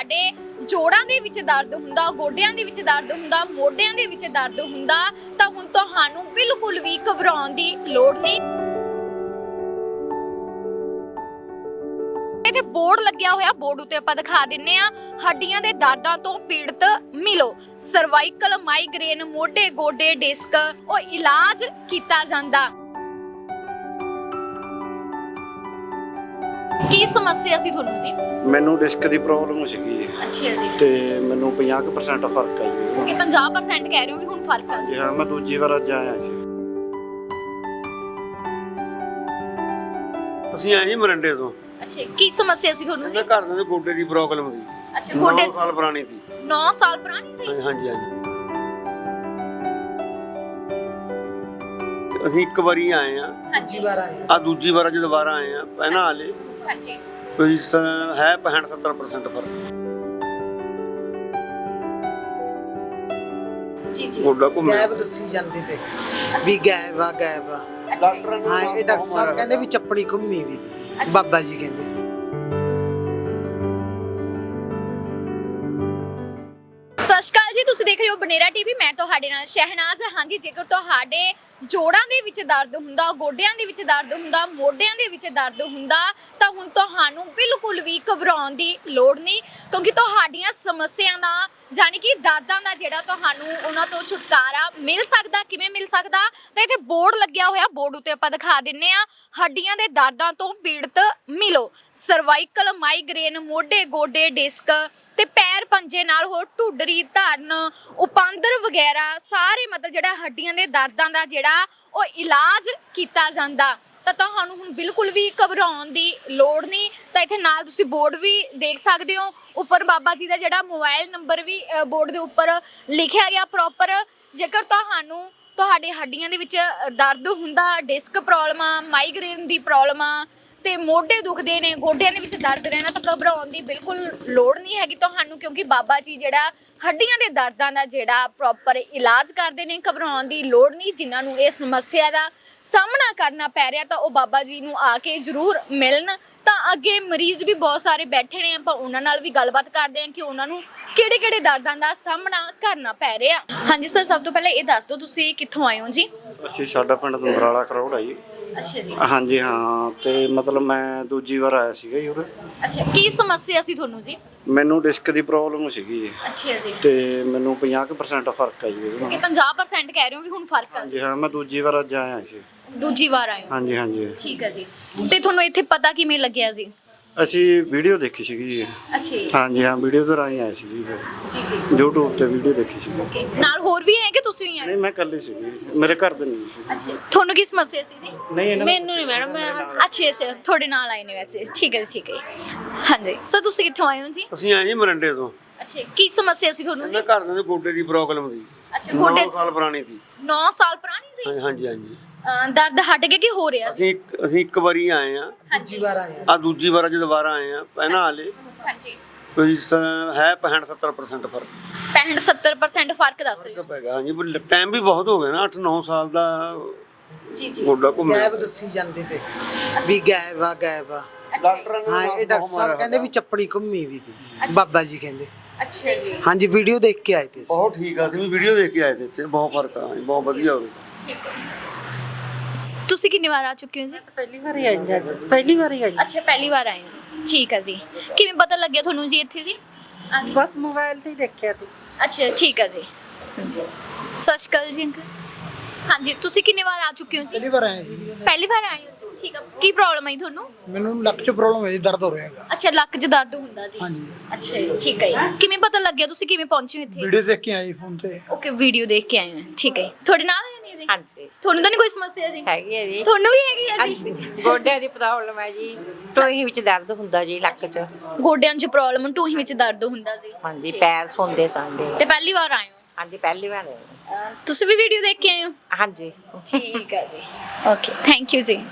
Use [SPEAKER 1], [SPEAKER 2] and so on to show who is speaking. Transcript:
[SPEAKER 1] ਤੁਹਾਡੇ ਜੋੜਾਂ ਦੇ ਵਿੱਚ ਦਰਦ ਹੁੰਦਾ, ਗੋਡਿਆਂ ਦੇ ਵਿੱਚ ਦਰਦ ਹੁੰਦਾ, ਮੋਢਿਆਂ ਦੇ ਵਿੱਚ ਦਰਦ ਹੁੰਦਾ ਤਾਂ ਹੁਣ ਤੁਹਾਨੂੰ ਬਿਲਕੁਲ ਵੀ ਘਬਰਾਉਣ ਦੀ ਲੋੜ ਨਹੀਂ। ਇੱਥੇ ਬੋਰਡ ਲੱਗਿਆ ਹੋਇਆ, ਬੋਰਡ ਉੱਤੇ ਆਪਾਂ ਦਿਖਾ ਦਿੰਨੇ ਆ, ਹੱਡੀਆਂ ਦੇ ਦਰਦਾਂ ਤੋਂ ਪੀੜਤ ਮਿਲੋ। ਸਰਵਾਈਕਲ, ਮਾਈਗ੍ਰੇਨ, ਮੋਢੇ, ਗੋਡੇ, ਡਿਸਕ ਉਹ ਇਲਾਜ ਕੀਤਾ ਜਾਂਦਾ। ਕੀ ਸਮੱਸਿਆ ਸੀ ਤੁਹਾਨੂੰ ਜੀ?
[SPEAKER 2] ਮੈਨੂੰ ਡਿਸਕ ਦੀ ਪ੍ਰੋਬਲਮ ਸੀਗੀ
[SPEAKER 1] ਅੱਛਾ ਜੀ।
[SPEAKER 2] ਤੇ ਮੈਨੂੰ 50% ਫਰਕ ਆ ਜੀ।
[SPEAKER 1] ਕਿ 50% ਕਹਿ ਰਹੇ ਹੋ ਵੀ ਹੁਣ ਫਰਕ ਆ
[SPEAKER 2] ਜੀ ਹਾਂ, ਮੈਂ ਦੂਜੀ ਵਾਰ ਅੱਜ ਆਇਆ ਜੀ।
[SPEAKER 3] ਅਸੀਂ ਆਏ ਜੀ ਮਰੰਡੇ ਤੋਂ।
[SPEAKER 1] ਅੱਛਾ, ਕੀ ਸਮੱਸਿਆ ਸੀ ਤੁਹਾਨੂੰ ਜੀ?
[SPEAKER 3] ਘਰ ਦੇ ਗੋਡੇ ਦੀ ਪ੍ਰੋਬਲਮ ਦੀ।
[SPEAKER 1] ਅੱਛਾ, ਗੋਡੇ
[SPEAKER 3] 9 ਸਾਲ ਪੁਰਾਣੀ ਸੀ।
[SPEAKER 1] 9 ਸਾਲ ਪੁਰਾਣੀ ਸੀ?
[SPEAKER 3] ਹਾਂਜੀ ਹਾਂਜੀ। ਅਸੀਂ ਇੱਕ ਵਾਰੀ ਆਏ ਆ,
[SPEAKER 1] ਹਾਂਜੀ
[SPEAKER 3] ਦੂਜੀ ਵਾਰ ਅੱਜ ਦੁਬਾਰਾ ਆਏ ਆ। ਪਹਿਲਾਂ ਆਲੇ
[SPEAKER 1] ਹਾਂਜੀ
[SPEAKER 3] ਕੋਈ ਹੈ 65-70% ਫਰਕ।
[SPEAKER 1] ਜੀ ਜੀ।
[SPEAKER 3] ਗੋਡਾ ਘੁੰਮ
[SPEAKER 4] ਗੈਬ ਦੱਸੀ ਜਾਂਦੀ ਤੇ ਵੀ ਗੈਬ ਆ
[SPEAKER 3] ਡਾਕਟਰਾਂ ਨੇ
[SPEAKER 4] ਹਾਂ, ਇਹ ਡਾਕਟਰ ਸਾਹਿਬ ਕਹਿੰਦੇ ਵੀ ਚੱਪੜੀ ਘੁੰਮੀ ਵੀ ਦੀ। ਬਾਬਾ ਜੀ ਕਹਿੰਦੇ
[SPEAKER 1] ਸਤਿ ਸ਼੍ਰੀ ਅਕਾਲ ਜੀ, ਤੁਸੀਂ ਦੇਖ ਰਹੇ ਹੋ ਬਨੇਰਾ ਟੀਵੀ। ਮੈਂ ਤੁਹਾਡੇ ਨਾਲ ਸ਼ਹਿਨਾਜ਼। ਹਾਂਜੀ, ਜੇਕਰ ਤੁਹਾਡੇ ਜੋੜਾਂ ਦੇ ਵਿੱਚ ਦਰਦ ਹੁੰਦਾ, ਗੋਡਿਆਂ ਦੇ ਵਿੱਚ ਦਰਦ ਹੁੰਦਾ, ਮੋਢਿਆਂ ਦੇ ਵਿੱਚ ਦਰਦ ਹੁੰਦਾ ਤਾਂ ਹੁਣ ਤੁਹਾਨੂੰ ਬਿਲਕੁਲ ਵੀ ਘਬਰਾਉਣ ਦੀ ਲੋੜ ਨਹੀਂ, ਕਿਉਂਕਿ ਤੁਹਾਡੀਆਂ ਸਮੱਸਿਆਵਾਂ ਦਾ ਜਾਨੀ ਕਿ ਦਰਦਾਂ ਦਾ ਜਿਹੜਾ ਤੁਹਾਨੂੰ ਉਹਨਾਂ ਤੋਂ ਛੁਟਕਾਰਾ ਮਿਲ ਸਕਦਾ। ਕਿਵੇਂ ਮਿਲ ਸਕਦਾ? ਤਾਂ ਇੱਥੇ ਬੋਰਡ ਲੱਗਿਆ ਹੋਇਆ, ਬੋਰਡ ਉੱਤੇ ਆਪਾਂ ਦਿਖਾ ਦਿੰਨੇ ਆ, ਹੱਡੀਆਂ ਦੇ ਦਰਦਾਂ ਤੋਂ ਪੀੜਤ ਮਿਲੋ। ਸਰਵਾਈਕਲ, ਮਾਈਗ੍ਰੇਨ, ਮੋਢੇ, ਗੋਡੇ, ਡਿਸਕ ਤੇ ਪੈਰ ਪੰਜੇ ਨਾਲ ਹੋਰ ਢੁੱਡਰੀ, ਧਰਨ, ਉਪਾਂਦਰ ਵਗੈਰਾ ਸਾਰੇ ਮਤਲਬ ਜਿਹੜਾ ਹੱਡੀਆਂ ਦੇ ਦਰਦਾਂ ਦਾ ਜਿਹੜਾ ਉਹ ਇਲਾਜ ਕੀਤਾ ਜਾਂਦਾ। ਤਾਂ ਤੁਹਾਨੂੰ ਹੁਣ ਬਿਲਕੁਲ ਵੀ ਘਬਰਾਉਣ ਦੀ ਲੋੜ ਨਹੀਂ। ਤਾਂ ਇੱਥੇ ਨਾਲ ਤੁਸੀਂ ਬੋਰਡ ਵੀ ਦੇਖ ਸਕਦੇ ਹੋ, ਉੱਪਰ ਬਾਬਾ ਜੀ ਦਾ ਜਿਹੜਾ ਮੋਬਾਈਲ ਨੰਬਰ ਵੀ ਬੋਰਡ ਦੇ ਉੱਪਰ ਲਿਖਿਆ ਗਿਆ ਪ੍ਰੋਪਰ। ਜੇਕਰ ਤੁਹਾਨੂੰ ਤੁਹਾਡੇ ਹੱਡੀਆਂ ਦੇ ਵਿੱਚ ਦਰਦ ਹੁੰਦਾ, ਡਿਸਕ ਪ੍ਰੋਬਲਮ ਆ, ਮਾਈਗ੍ਰੇਨ ਦੀ ਪ੍ਰੋਬਲਮ ਆ ਤੇ ਮੋਢੇ ਦੁਖਦੇ ਨੇ, ਗੋਡਿਆਂ ਦੇ ਵਿੱਚ ਦਰਦ ਰਹਿਣਾ, ਤਾਂ ਘਬਰਾਉਣ ਦੀ ਬਿਲਕੁਲ ਲੋੜ ਨਹੀਂ ਹੈਗੀ ਤੁਹਾਨੂੰ, ਕਿਉਂਕਿ ਬਾਬਾ ਜੀ ਜਿਹੜਾ ਹੱਡੀਆਂ ਦੇ ਦਰਦਾਂ ਦਾ ਜਿਹੜਾ ਪ੍ਰੋਪਰ ਇਲਾਜ ਕਰਦੇ ਨੇ। ਘਬਰਾਉਣ ਦੀ ਲੋੜ ਨਹੀਂ। ਜਿਨ੍ਹਾਂ ਨੂੰ ਇਹ ਸਮੱਸਿਆ ਦਾ ਸਾਹਮਣਾ ਕਰਨਾ ਪੈ ਰਿਹਾ ਤਾਂ ਉਹ ਬਾਬਾ ਜੀ ਨੂੰ ਆ ਕੇ ਜ਼ਰੂਰ ਮਿਲਣ। ਤਾਂ ਅੱਗੇ ਮਰੀਜ਼ ਵੀ ਬਹੁਤ ਸਾਰੇ ਬੈਠੇ ਨੇ, ਆਪਾਂ ਉਹਨਾਂ ਨਾਲ ਵੀ ਗੱਲਬਾਤ ਕਰਦੇ ਹਾਂ ਕਿ ਉਹਨਾਂ ਨੂੰ ਕਿਹੜੇ-ਕਿਹੜੇ ਦਰਦਾਂ ਦਾ ਸਾਹਮਣਾ ਕਰਨਾ ਪੈ ਰਿਹਾ। ਹਾਂਜੀ ਸਰ, ਸਭ ਤੋਂ ਪਹਿਲਾਂ ਇਹ ਦੱਸ ਦਿਓ ਤੁਸੀਂ ਕਿੱਥੋਂ ਆਏ ਹੋ ਜੀ?
[SPEAKER 2] ਅਸੀਂ ਸਾਡਾ ਪਿੰਡ ਦੰਬਰਾਲਾ ਕਰੋੜ ਆ ਜੀ।
[SPEAKER 1] ਅੱਛਾ ਜੀ।
[SPEAKER 2] ਹਾਂਜੀ ਹਾਂ, ਤੇ ਮਤਲਬ ਮੈਂ ਦੂਜੀ ਵਾਰ ਆਇਆ ਸੀਗਾ ਜੀ ਉਰੇ।
[SPEAKER 1] ਅੱਛਾ, ਕੀ ਸਮੱਸਿਆ ਸੀ ਤੁਹਾਨੂੰ ਜੀ?
[SPEAKER 2] ਮੈਨੂੰ ਡਿਸਕ ਦੀ ਪ੍ਰੋਬਲਮ ਸੀਗੀ ਜੀ
[SPEAKER 1] ਅੱਛਾ ਜੀ।
[SPEAKER 2] ਤੇ ਮੈਨੂੰ 50% ਫਰਕ ਆ ਜੀ।
[SPEAKER 1] ਕਿ 50% ਕਹਿ ਰਹੇ ਹੋ ਵੀ ਹੁਣ ਫਰਕ ਆ?
[SPEAKER 2] ਜੀ ਹਾਂ, ਮੈਂ ਦੂਜੀ ਵਾਰ ਅੱਜ ਆਇਆ ਜੀ।
[SPEAKER 1] ਦੂਜੀ ਵਾਰ ਆਏ ਹੋ?
[SPEAKER 2] ਹਾਂਜੀ ਹਾਂਜੀ।
[SPEAKER 1] ਠੀਕ ਹੈ ਜੀ। ਤੇ ਤੁਹਾਨੂੰ ਇੱਥੇ ਪਤਾ ਕਿਵੇਂ ਲੱਗਿਆ ਜੀ?
[SPEAKER 2] ਅਸੀਂ ਵੀਡੀਓ ਦੇਖੀ ਸੀਗੀ ਜੀ।
[SPEAKER 1] ਅੱਛਾ ਜੀ।
[SPEAKER 2] ਹਾਂਜੀ ਹਾਂ, ਵੀਡੀਓ ਤੋਂ ਰਾਹੀਂ ਆਏ ਸੀ ਜੀ।
[SPEAKER 1] ਜੀ ਜੀ।
[SPEAKER 2] YouTube ਤੇ ਵੀਡੀਓ ਦੇਖੀ ਸੀ।
[SPEAKER 1] ਓਕੇ, ਨਾਲ ਹੋਰ ਵੀ ਹੈ ਕਿ ਤੁਸੀਂ ਹੀ ਆਏ?
[SPEAKER 2] ਨਹੀਂ, ਮੈਂ ਇਕੱਲੀ ਸੀਗੀ, ਮੇਰੇ ਘਰ ਦੇ ਨਹੀਂ ਸੀ।
[SPEAKER 1] ਅੱਛਾ, ਤੁਹਾਨੂੰ ਕੀ ਸਮੱਸਿਆ ਸੀ ਜੀ?
[SPEAKER 2] ਨਹੀਂ,
[SPEAKER 5] ਮੈਨੂੰ ਨਹੀਂ ਮੈਡਮ, ਮੈਂ
[SPEAKER 1] ਅੱਛਾ ਅੱਛਾ, ਤੁਹਾਡੇ ਨਾਲ ਆਏ ਨੇ ਵੈਸੇ। ਠੀਕ ਹੈ ਠੀਕ ਹੈ। ਹਾਂਜੀ ਸਰ, ਤੁਸੀਂ ਕਿੱਥੋਂ ਆਏ ਹੋ ਜੀ?
[SPEAKER 3] ਅਸੀਂ ਆਏ ਜੀ ਮਰੰਡੇ ਤੋਂ।
[SPEAKER 1] ਅੱਛਾ, ਕੀ ਸਮੱਸਿਆ ਸੀ ਤੁਹਾਨੂੰ ਜੀ?
[SPEAKER 3] ਘਰ ਦੇ ਗੋਡੇ ਦੀ ਪ੍ਰੋਬਲਮ ਦੀ।
[SPEAKER 1] ਅੱਛਾ, ਗੋਡੇ
[SPEAKER 3] 9 ਸਾਲ ਪੁਰਾਣੀ ਸੀ।
[SPEAKER 1] 9 ਸਾਲ ਪੁਰਾਣੀ ਸੀ?
[SPEAKER 3] ਹਾਂਜੀ ਹਾਂਜੀ।
[SPEAKER 1] ਦਰਦ ਹਟ ਗਿਆ ਕਿ ਹੋ ਰਿਹਾ ਸੀ?
[SPEAKER 3] ਅਸੀਂ ਇੱਕ ਵਾਰੀ ਆਏ ਆ,
[SPEAKER 1] ਹਾਂਜੀ
[SPEAKER 4] ਵਾਰ ਆਏ
[SPEAKER 3] ਦੂਜੀ ਵਾਰ ਅੱਜ ਦੁਬਾਰਾ ਆਏ ਆ। ਪਹਿਲਾਂ ਆਲੇ
[SPEAKER 1] ਹਾਂਜੀ।
[SPEAKER 3] ਕੋਈ ਹੈ 65-70% ਫਰਕ
[SPEAKER 1] 65-70% ਫਰਕ ਦੱਸ ਰਹੇ ਹੋ?
[SPEAKER 3] ਪੈ ਗਿਆ। ਹਾਂਜੀ, ਟਾਈਮ ਵੀ ਬਹੁਤ ਹੋ ਗਿਆ ਨਾ, 8-9 ਸਾਲ ਦਾ
[SPEAKER 1] ਜੀ ਜੀ।
[SPEAKER 3] ਗੋਡਾ ਘੁੰਮ
[SPEAKER 4] ਗੈਬ ਦੱਸੀ ਜਾਂਦੀ ਤੇ ਵੀ ਗੈਬ ਆ
[SPEAKER 3] ਡਾਕਟਰਾਂ ਨੇ
[SPEAKER 4] ਹਾਂ, ਇਹ ਡਾਕਟਰ ਸਾਹਿਬ ਕਹਿੰਦੇ ਵੀ ਚੱਪੜੀ ਘੁੰਮੀ ਵੀ ਦੀ। ਬਾਬਾ ਜੀ ਕਹਿੰਦੇ।
[SPEAKER 1] ਅੱਛਾ ਜੀ।
[SPEAKER 4] ਹਾਂਜੀ, ਵੀਡੀਓ ਦੇਖ ਕੇ ਆਏ ਤੇ ਅਸੀਂ।
[SPEAKER 3] ਬਹੁਤ ਠੀਕ ਆ, ਅਸੀਂ ਵੀ ਵੀਡੀਓ ਦੇਖ ਕੇ ਆਏ ਤੇ ਇੱਥੇ। ਬਹੁਤ ਫਰਕ ਆ, ਬਹੁਤ ਵਧੀਆ ਹੋ ਗਿਆ।
[SPEAKER 1] ਠੀਕ ਹੈ। ਤੁਸੀਂ ਕਿੰਨੀ ਵਾਰ ਆ ਚੁੱਕੇ ਹੋ ਜੀ?
[SPEAKER 5] ਪਹਿਲੀ ਵਾਰੀ ਆਈ ਜੀ। ਪਹਿਲੀ ਵਾਰੀ ਆਈ।
[SPEAKER 1] ਅੱਛਾ, ਪਹਿਲੀ ਵਾਰ ਆਏ ਹੋ। ਠੀਕ ਹੈ ਜੀ। ਕਿਵੇਂ ਪਤਾ ਲੱਗਿਆ ਤੁਹਾਨੂੰ ਜੀ ਇੱਥੇ ਜੀ? ਆ ਗਏ।
[SPEAKER 5] ਬਸ ਮੋਬਾਈਲ ਤੇ ਹੀ ਦੇਖਿਆ ਤੀ।
[SPEAKER 1] ਅੱਛਾ, ਠੀਕ ਹੈ ਜੀ। ਸਤਿ ਸ਼੍ਰੀ ਅਕਾਲ ਜੀ ਅੰਕਲ। ਹਾਂਜੀ, ਤੁਸੀਂ ਕਿੰਨੇ ਵਾਰ ਆ ਚੁੱਕੇ ਹੋ ਜੀ?
[SPEAKER 6] ਪਹਿਲੀ ਵਾਰ ਆਇਆ ਜੀ।
[SPEAKER 1] ਪਹਿਲੀ ਵਾਰ ਆਏ ਹੋ? ਠੀਕ ਹੈ। ਕੀ ਪ੍ਰੋਬਲਮ ਹੈ ਤੁਹਾਨੂੰ?
[SPEAKER 6] ਮੈਨੂੰ ਲੱਕ 'ਚ ਪ੍ਰੋਬਲਮ ਹੈ ਜੀ, ਦਰਦ ਹੋ ਰਿਹਾ ਹੈਗਾ।
[SPEAKER 1] ਅੱਛਾ, ਲੱਕ 'ਚ ਦਰਦ ਹੁੰਦਾ ਜੀ?
[SPEAKER 6] ਹਾਂਜੀ।
[SPEAKER 1] ਅੱਛਾ ਜੀ, ਠੀਕ ਹੈ ਜੀ। ਕਿਵੇਂ ਪਤਾ ਲੱਗਿਆ? ਤੁਸੀਂ ਕਿਵੇਂ ਪਹੁੰਚੇ ਹੋ ਇੱਥੇ?
[SPEAKER 6] ਵੀਡੀਓ ਦੇਖ ਕੇ ਆਈ ਫੋਨ ਤੇ।
[SPEAKER 1] ਓਕੇ, ਵੀਡੀਓ ਦੇਖ ਕੇ ਆਏ ਹੋ। ਠੀਕ ਹੈ। ਤੁਹਾਡੇ ਨਾਲ ਆਏ ਨੇ ਜੀ?
[SPEAKER 5] ਹਾਂਜੀ,
[SPEAKER 1] ਤੁਹਾਨੂੰ ਤਾਂ ਨਹੀਂ ਕੋਈ ਸਮੱਸਿਆ ਜੀ?
[SPEAKER 5] ਹੈਗੀ ਹੈ ਜੀ।
[SPEAKER 1] ਤੁਹਾਨੂੰ ਵੀ ਹੈਗੀ ਹੈ ਜੀ?
[SPEAKER 5] ਹਾਂਜੀ, ਗੋਡਿਆਂ ਦੀ ਪ੍ਰੋਬਲਮ ਹੈ ਜੀ। ਟੋਹੀ ਵਿੱਚ ਦਰਦ ਹੁੰਦਾ ਜੀ, ਲੱਕ 'ਚ।
[SPEAKER 1] ਗੋਡਿਆਂ 'ਚ ਪ੍ਰੋਬਲਮ, ਟੂਹੀ ਵਿੱਚ ਦਰਦ ਹੁੰਦਾ ਜੀ?
[SPEAKER 5] ਹਾਂਜੀ, ਪੈਰ ਸੁੰਦੇ ਸਾਡੇ।
[SPEAKER 1] ਤੇ ਪਹਿਲੀ ਵਾਰ ਆਏ ਹੋ?
[SPEAKER 5] ਹਾਂਜੀ, ਪਹਿਲੀ ਵਾਰ ਆਏ।
[SPEAKER 1] ਤੁਸੀਂ ਵੀ ਵੀਡੀਓ ਦੇਖ ਕੇ ਆਏ ਹੋ?
[SPEAKER 5] ਹਾਂਜੀ।
[SPEAKER 1] ਠੀਕ ਹੈ ਜੀ। ਓਕੇ, ਥੈਂਕ ਯੂ ਜੀ।